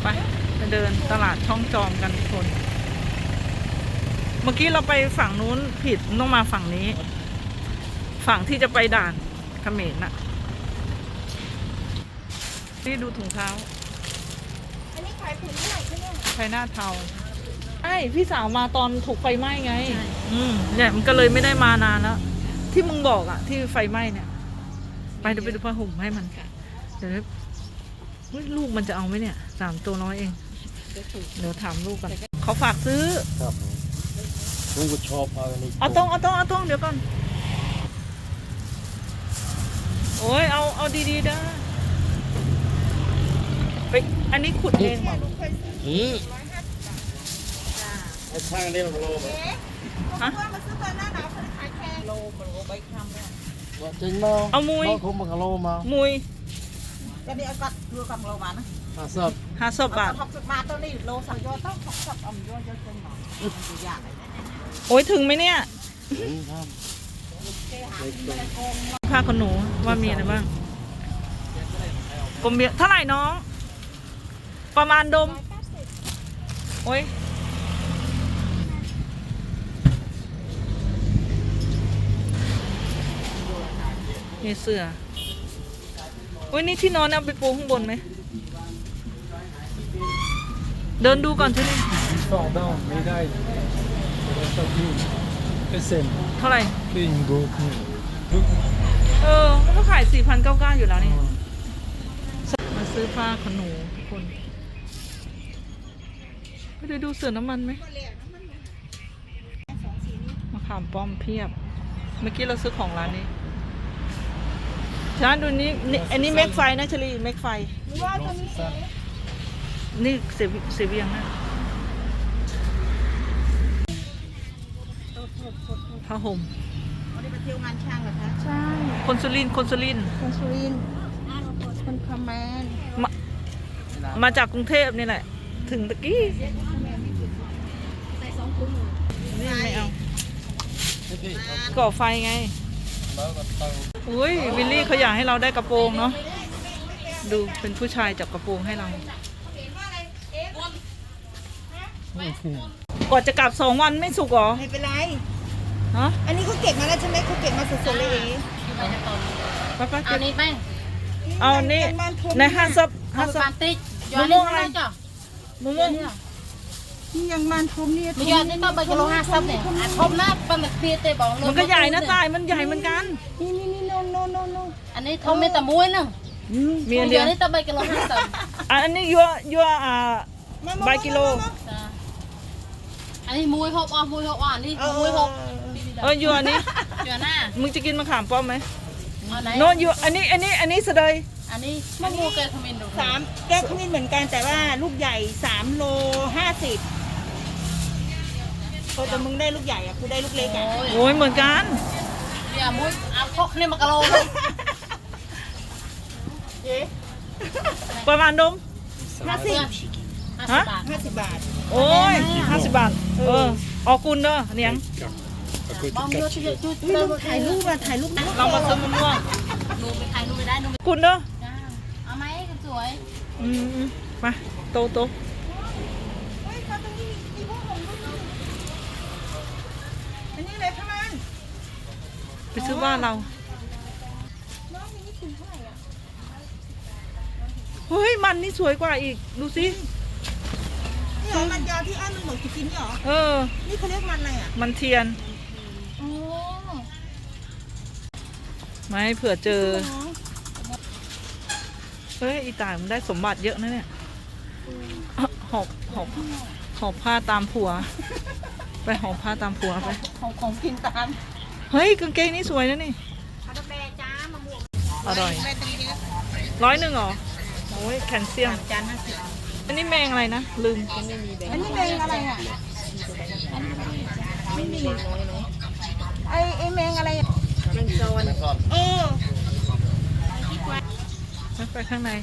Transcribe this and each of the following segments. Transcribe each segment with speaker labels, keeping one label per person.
Speaker 1: ไปเดินตลาดช่องจอมกันทุกคน เมื่อกี้เราไปฝั่งนู้นผิดต้องมาฝั่งนี้ ฝั่งที่จะไปด่านเขมรน่ะนี่ดูถุงเท้า
Speaker 2: อันนี้ขายผืนเท่าไหร่คะเนี่ย
Speaker 1: ไชน่าเทาใช่พี่สาวมาตอนถูกไฟไหม้ไงเนี่ยมันก็เลยไม่ได้มานานแล้วที่มึงบอกอะที่ไฟไหม้เนี่ยไปเดี๋ยวไปดูผ้าห่มให้มันเดี๋ยวลูกมันจะเอาไหมเนี่ย3 ตัวน้อยเองเดี๋ยวถามลูกกันเขาฝากซื้อ
Speaker 3: ครับลุงก็ชอบ
Speaker 1: เอาตรงเดี๋ยวก่อนโอ้ยเอาดีๆเด้อไปอันนี้ขุดเองเหรอ
Speaker 3: ไอ้ช่างนี่มันโลไหม
Speaker 2: ฮะมาซื้อตอนหน้าหนาวขายแพงโลมันโลใบคำเนี่ย
Speaker 3: จริงมั้ง
Speaker 1: เอามุย
Speaker 3: คงมันโลมา
Speaker 1: มุย
Speaker 2: ก็นี่เอากัดดูกับโลมานะ
Speaker 3: 50
Speaker 1: บาท
Speaker 2: 60 บาทตัวนี้โลสั่งยอต้อง60เอายอเยอะจังหน่อยตัวอย่าง
Speaker 1: โอ้ยถึงไหมเนี่ย
Speaker 3: ครับ
Speaker 1: ผ้าขนหนูว่ามีอะไรบ้างกลมเบียเท่าไหร่น้องประมาณดมโอ้ยมีเสื้อโอ้ยนี่ที่นอนเอาไปปูข้างบนไหมเดินดูก่อนใช่ไหม
Speaker 3: 2 ดาวไม่ได้
Speaker 1: เท่าไหร่
Speaker 3: ลิงโบก
Speaker 1: มันก็ขาย 4,999 อยู่แล้วนี่มาซื้อผ้าขนหนูทุกคนไม่ได้ดูเสือน้ำมันไหมมะขามป้อมเพียบเมื่อกี้เราซื้อของร้านนี้ช้าดูนี้อันนี้เมกไฟนะชลีเมกไฟนี่เสียเวียงนะผ้าห่ม
Speaker 2: วันนี้ไปเที่ยวงานช่างเหรอคะ
Speaker 1: ใช่คนสุรินทร์คน
Speaker 2: คอมแมน
Speaker 1: มาจากกรุงเทพนี่แหละถึงตะกี้นี่ไม่เอาก่อไฟไงอุ้ยวิลลี่เขาอยากให้เราได้กระโปรงเนาะดูเป็นผู้ชายจับกระโปรงให้เราก่อนจะกลับ2 วันไม่สุกหรอ
Speaker 2: ไม่เป็นไร
Speaker 1: ฮะ
Speaker 2: อันนี้เขาเก็บมาแล้วใช่ไหมเขาเก็บมาสดๆเลย
Speaker 1: ป้า
Speaker 4: อันนี้แป้ง
Speaker 1: เอานี่ใน50มะม่วงอะไรมะม่วง
Speaker 2: นี่ยังมันทมเนี่ย
Speaker 4: มียอดนี่ต้องไปกิโล50เนี่ยทมนะเป็นแบบเพียเตบอก
Speaker 1: มันก็ใหญ่นะตายมันใหญ่เหมือนกัน
Speaker 2: นี่โน
Speaker 4: อันนี้ทมไม่แต่มุ้ยนึง
Speaker 1: มีอันเดียว
Speaker 4: นี่ต้องไปกิโล50
Speaker 1: อันนี้ยัวใบกิโล
Speaker 4: อันนี้มุ้ยหกอ่ะมุ้ยหกอ่ะนี่มุ้ยหก
Speaker 1: ยัวอันนี้
Speaker 4: ยัวหน้า
Speaker 1: มึงจะกินมะขามป้อมไหม
Speaker 4: โน่
Speaker 1: ยัวอันนี้เสดย
Speaker 4: อันนี้มะม่วงแกขมิ้นดู
Speaker 2: 3 แก้วขมิ้นเหมือนกันแต่ว่าลูกใหญ่3 โล 50แต่มึงได้ลูกใหญ่อ่ะกูได้ลูกเล็กอ่ะ
Speaker 1: โอ้ยเหมือนกัน
Speaker 4: เดี๋ยวมุ้ยเอาพกนี่มากะโล
Speaker 1: ประมาณดม
Speaker 2: 50 บาท
Speaker 1: โอ้ย50 บาทออกกุนเด้อเนียง
Speaker 2: ถ่ายรูป
Speaker 1: เรามาซื้อมะม่วง
Speaker 4: นูไปถ่ายนูไปได้นู
Speaker 1: กุนเด้อ
Speaker 4: เอาไหมสวย
Speaker 1: มาโต
Speaker 2: อันนี้เลยค่ะมัน
Speaker 1: ไปซื้อบ้านเราเฮ้ยมันนี่สวยกว่าอีกดูสิ
Speaker 2: นี่เหรอมันยาวที่อ้อนมันบอกจะกินนี่เหรอนี่เขาเรียกมันอะไรอ่ะ
Speaker 1: มันเทียนไม่เผื่อเจอเฮ้ยอีตายมันได้สมบัติเยอะนะเนี่ยหอบผ้าตามผัวไปหอบผ้าตามผัวไป
Speaker 2: ของกินตาม
Speaker 1: เฮ้ยกางเกงนี่สวยนะนี่อร่อย100หรอโอ้ยแคลเซียม
Speaker 2: จาน
Speaker 1: อันนี้แมงอะไรนะลืม
Speaker 2: อันนี้แมงอะไรอ่ะไม่มีไอแมงอะไรแมงโซน
Speaker 1: ไปข้างใน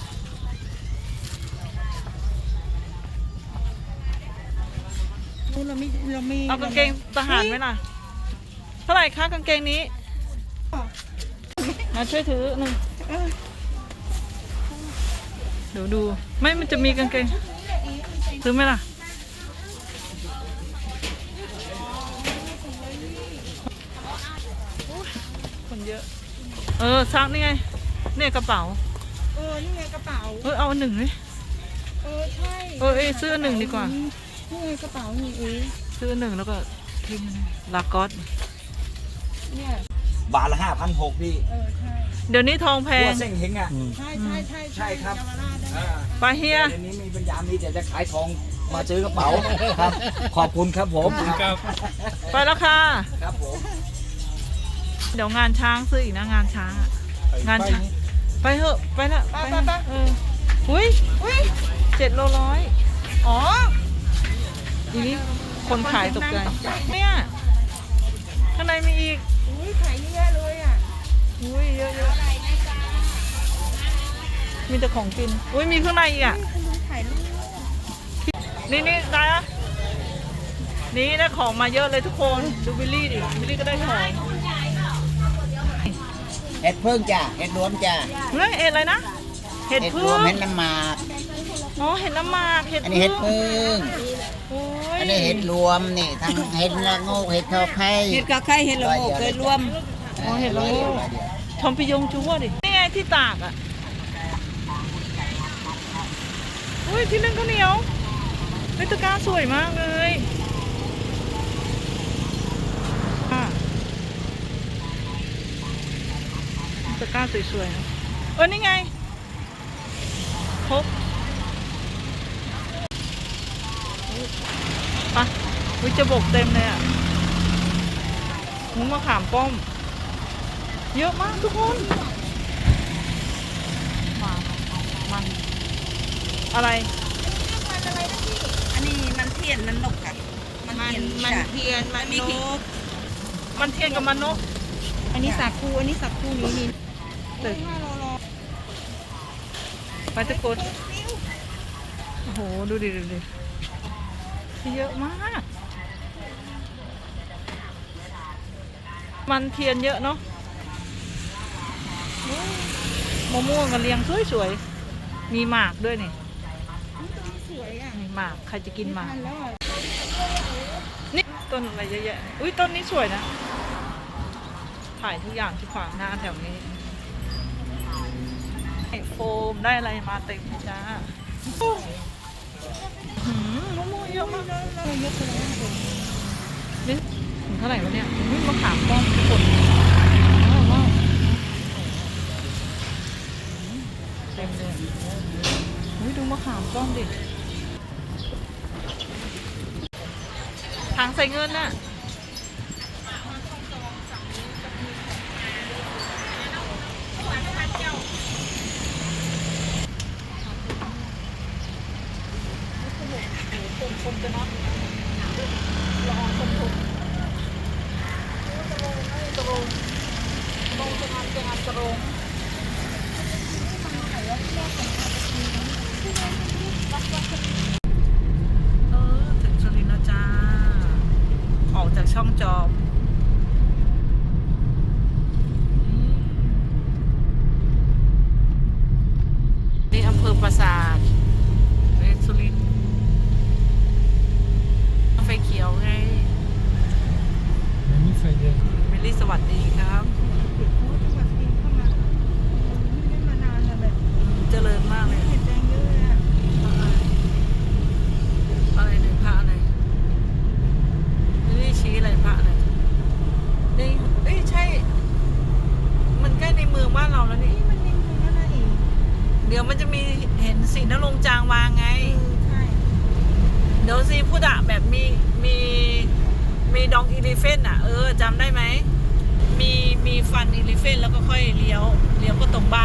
Speaker 2: เราไม่
Speaker 1: เอากางเกงทหารไหมล่ะเท่าไหร่คะกางเกงนี้มาช่วยถือหนึ่งเดี๋ยวดู ไม่มันจะมีกางเกงซื้อไหมล่ะคนเยอะซักนี่ไงเนี่ยกระเป๋า
Speaker 2: นี่ไงกระเป๋า
Speaker 1: เอาอันหนึ่งเลย
Speaker 2: ใช่
Speaker 1: ซื้ออันหนึ่งดีกว่า
Speaker 2: นี่ไงกระเป๋านี่
Speaker 1: ซื้ออันหนึ่งแล้วก็ทิ้งลากอส
Speaker 2: เนี่ย
Speaker 5: บาทละ5,600พี่
Speaker 2: ใช่
Speaker 1: เดี๋ยวนี้ทองแพ
Speaker 5: หั
Speaker 1: ง
Speaker 5: วเส้งเฮงอ่ะ
Speaker 2: ใช่
Speaker 5: ใช่ครับ
Speaker 2: เยาวราชได้
Speaker 1: ไปเฮีย
Speaker 5: เดี๋ยวนี้มีปัญญามีแต่จะขายทองมาซื้อกระเป๋าครับ ขอบคุณครับผม
Speaker 3: ครับ
Speaker 1: ไปแล้วค่ะ
Speaker 5: ครับผม
Speaker 1: เดี๋ยวงานช้างซื้ออีกนะงานช้างอะงานช้างไปเถอะไปละไปอุ้ย7 โลร้อย
Speaker 2: อ๋อ
Speaker 1: ทีนี้คนขายตกใจเนี่ยข้างในมีอีก
Speaker 2: ขายเยอะเลยอ่ะ
Speaker 1: อุ้ยเยอะมีแต่ของกินอุ้ยมีข้างในอีกอ่ะ
Speaker 2: คุณลุงขายลูก
Speaker 1: นี่ได้อะนี่ได้ของมาเยอะเลยทุกคนดูบิลลี่ดิบิลลี่ก็ได้ของ
Speaker 6: เห็ดพึ่งจ้ะเห็ดรวมจ้ะ
Speaker 1: เฮ้ยเห็ดอะไรนะเห็ด
Speaker 6: เห็ด
Speaker 1: พึ่
Speaker 6: รวม
Speaker 1: ง
Speaker 6: เห็ดน้ำหมาก
Speaker 1: อ๋อเห็ดน้ำหมากเห็ด
Speaker 6: อันนี้เห็ดพึ่ง
Speaker 1: โอ้ย
Speaker 6: อันนี้เห็ดรวมนี่ทั้งเห็ดละโงกเห็ดทอไข่
Speaker 2: เห็ดกะไข่เห็ดละโงกเคยรวม
Speaker 1: อ๋อเห็ดละโงกทอมปิยงจูว่าดินี่ไงที่ตากอ่ะอุ้ยที่นึ่งข้าวเหนียวเฮ้ยตะกร้าสวยมากเลยตะกร้าสวยๆนะนี่ไงครบปะวิจะบกเต็มเลยอ่ะมุ้งมะขามป้อมเยอะมากทุกคนมันอะไร
Speaker 2: อันนี้มันเทียนมันนกค่ะมันเทียนมันนก
Speaker 1: มันเทียนกับมันนก
Speaker 2: อันนี้สาคูอันนี้สาคูนี่
Speaker 1: ตึก
Speaker 2: 5 โล
Speaker 1: ไปตะกดโอ้โหดูดิเยอะมาก มันเทียนเยอะเนาะมะม่วงกันเรียงสวยๆมีหมากด้วยนี่
Speaker 2: สวยอ่ะ
Speaker 1: มีหมากใครจะกินหมาก
Speaker 2: ทันแล้วอ่ะ
Speaker 1: นี่ต้นอะไรเยอะแยะอุ้ยต้นนี้สวยนะถ่ายทุกอย่างที่ขวางหน้าแถวนี้โฟมได้อะไรมาเต็มจ้ามะม่วงเยอะมากนี่ถึงเท่าไหร่วะเนี่ยอุ้ยมะขามป้อมทุกคนว้าวเต็มเลยอุ้ยดูมะขามป้อมดิถังใส่เงินน่ะคนจะน็อตละออนคนทุกตรงจะงานตรงถึงสุรินทร์แล้วจ้าออกจากช่องจอมนี่อำเภอปราสาทสุรินทร์ไฟเขียวไง
Speaker 3: ไม่มีไฟแดง
Speaker 1: เมลลี่สวัสดีครับ
Speaker 2: จังหวัดสุรินทร์เข้ามาไม่ได้มานานแล้วแบบ
Speaker 1: เจริญมากเลย
Speaker 2: เห็ดแดงเยอะเลยอ่ะ
Speaker 1: อะไรหนึ่งพระอะไรนี่ชี้อะไรพระอะไรนี่เอ้ยใช่ มันใกล้ในเมืองบ้านเราแล้วนี่
Speaker 2: มันนิ่มๆนั่นน่ะเอง
Speaker 1: เดี๋ยวมันจะมีเห็นสีนรงค์จางวางไง
Speaker 2: ใช่
Speaker 1: เดี๋ยวซีพูดอะแบบมีดองอีลิเฟนอะจำได้ไหมมีฟันอีลิเฟนแล้วก็ค่อยเลี้ยวก็ตรงบ้าน